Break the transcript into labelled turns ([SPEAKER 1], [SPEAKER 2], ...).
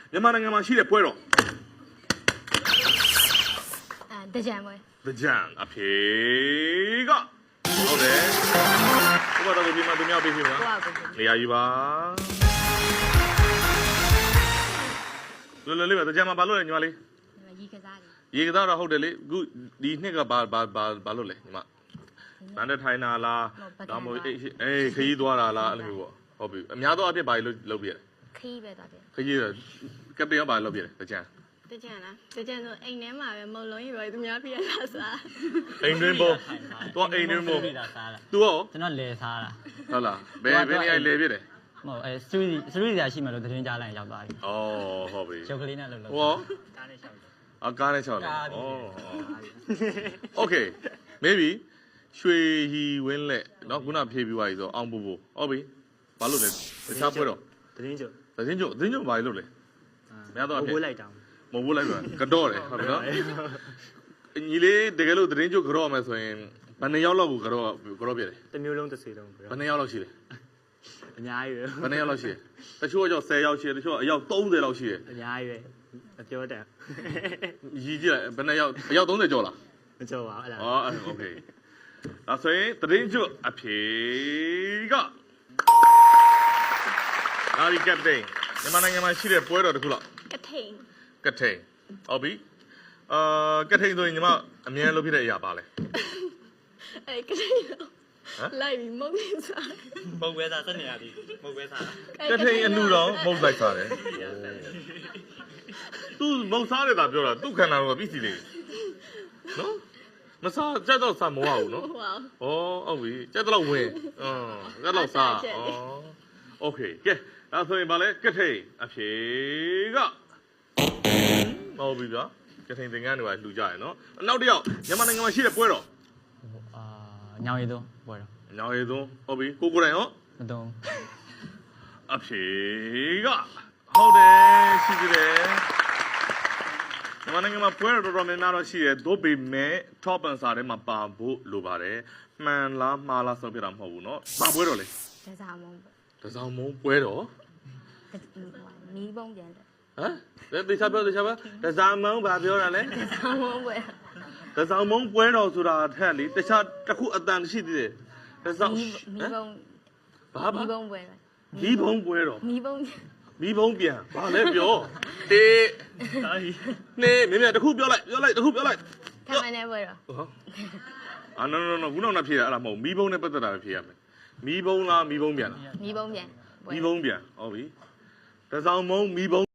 [SPEAKER 1] မြန်မာနိုင်ငံမှာရှိတဲ့ပွဲတော်
[SPEAKER 2] တကြံပွဲ
[SPEAKER 1] တကြံအဖြေကဟုတ်တယ်ဘုရားတော်ကိုပြင်မသူများပေးပြီမလားနေရာယူပါလွယ်လွယ်လေးပဲတကြံမှာဘာလို့လဲညီမလေးရေကစားတော့ဟုတ်တယ်လေအခုဒီနှစ်ကဘာလို့လဲညီမဗန်တဲ့ထိုင်နာလားဒါမှမဟုတ်အေးခရီးသွားတာလားအဲ့လိုမျိုးပေါ့ဟုတ်ပြီအများတော့အဖြစ်ဘာလို့လုပ်ပြရလဲ
[SPEAKER 2] ခရီးပဲသွားပြ
[SPEAKER 1] ခရီးကပ်ပတင်ရောဘာလုပ်ပြလဲတကြံ
[SPEAKER 2] လားတကြံဆိုအိမ်ထဲမှာပဲမုံလုံးကြီးပဲသူများပြရတာစား
[SPEAKER 1] အိမ်တွင်းပေါ်တော့အိမ်တွင်းပေါ်သူရော
[SPEAKER 3] ကျွန်တော်လဲစားတာ
[SPEAKER 1] ဟုတ်လားဘယ်နေရာလဲပြတယ်
[SPEAKER 3] မဟုတ်စရီစရာရှိမှလို့သတင်းကြားလိုက်ရောက်သွားပြီ
[SPEAKER 1] ဩဟုတ်ပြီ
[SPEAKER 3] ရုပ်ကလေးနဲ့လှုပ်လှုပ်
[SPEAKER 1] ဟောကားနဲ့6တယ်ဩ Okay maybe ရွှေရီဝင်းလက်เนาะခုနဖြေပြီးသွားပြီဆိုအောင်ပူပူဟုတ်ပြီဘာလို့လဲတခြားပွဲတော့
[SPEAKER 3] သတင်းချုပ်
[SPEAKER 1] ဘာလို့လဲများတော့
[SPEAKER 3] မဟုတ်လိုက်တောင်း
[SPEAKER 1] မဟုတ်လိုက်ပါကတော့တယ်ဟုတ်ပြီနော်ညီလေးတကယ်လို့သတင်းချုပ်ကြော့မယ်ဆိုရင်ဘယ်နှစ်ယောက်လောက်ကိုကြော့ပြတယ်
[SPEAKER 3] တစ်မျိုးလုံးတစ်စီလုံး
[SPEAKER 1] ဘယ်နှစ်ယောက်လောက်ရှိလဲ
[SPEAKER 3] အများကြီးပဲ
[SPEAKER 1] ဘယ်နှစ်ယောက်လောက်ရှိလဲတချို့ကကြော့10ယောက်ရှိတယ်တချို့ကအယောက်30လောက်ရှိတယ်
[SPEAKER 3] အများကြီးပဲမပြောတတ်
[SPEAKER 1] ရည်ကြည့်လိုက်ဘယ်နှစ်ယောက်အယောက်30ကျော်လား
[SPEAKER 3] မကျော်ပါအဲ့ဒါ
[SPEAKER 1] โอเคဒါဆိုရင်သတင်းချုပ်အဖြေကအာဒီကပ်တိန်မြန်မာနိုင်ငံမှာရှိတဲ့ပွဲတော်တစ်ခုလောက်က
[SPEAKER 2] ထိန်
[SPEAKER 1] ဟုတ်ပြီကထိန်ဆိုရင်ညီမအမြဲလုပ်ဖြစ်တဲ့အရာပါလဲ
[SPEAKER 2] ကထိန်လိုက်ပြီးမုတ်လေးစား
[SPEAKER 3] မုတ်ဝဲစားစက်နေရသည်မုတ်ဝဲစား
[SPEAKER 1] ကထိန်အလူတော်မုတ်လိုက်စားတယ်သူမုတ်စားတယ်သာပြောတာသူ့ခန္ဓာတော့ပြီးစီလေနော်မစားကြက်တော့စားမဝဘူးနော်ဟုတ်ပြီကြက်တော့ဝင်ကြက်တော့စားโอเคကဲဒါဆိုရင်ဗာလဲကထိန်အဖြေကဟုတ်ပြီဗျာကထိန်သင်္ကန်းတွေပါလှူကြရနော်နောက်တစ်ယောက်မြန်မာနိုင်ငံမှာရှိတဲ့ပွဲတော်
[SPEAKER 3] ညောင်ရည်သွန်းပွဲတော်
[SPEAKER 1] ညောင်ရည်သွန်းဟုတ်ပြီကိုတိုင်ရော
[SPEAKER 3] မသွန်း
[SPEAKER 1] အဖြေကဟုတ်တယ်ရှိကြတယ်မြန်မာနိုင်ငံမှာပွဲတော်တော်များများတော့ရှိတယ်သို့ပေမဲ့ top answer ထဲမှာပါဖို့လိုပါတယ်မှန်လားမှားလားဆုံးဖြတ်တာမဟုတ်ဘူးเนาะဘာပွဲတော်လဲ
[SPEAKER 2] တစားမုံ
[SPEAKER 1] ပွဲတော်
[SPEAKER 2] မီးပုံပြန်တယ်
[SPEAKER 1] ဟမ်တေချာပြောတစားမုံဘာပြောတာလဲ
[SPEAKER 2] တစားမုံပွဲ
[SPEAKER 1] တော်ဆိုတာထက်လေတခြားတစ်ခုအတန်ရှိသေးတယ်တစား
[SPEAKER 2] မီးပုံပွဲ
[SPEAKER 1] မီးပုံပွဲတော်
[SPEAKER 2] မီးပုံ
[SPEAKER 1] ပြန်ဘာလဲပြောတေးနေမင်းတစ်ခုပြောလိုက်
[SPEAKER 2] ခံမနေပွဲတော်
[SPEAKER 1] no ခုနောက်ဖြေတာအဲ့ဒါမဟုတ်မီးပုံနဲ့ပတ်သက်တာပဲဖြေရမယ်မီးပုံလားမီးပုံပြန်လား
[SPEAKER 2] မီးပုံပြန်
[SPEAKER 1] ဟုတ်ပြီတစားမုံမီးပုံ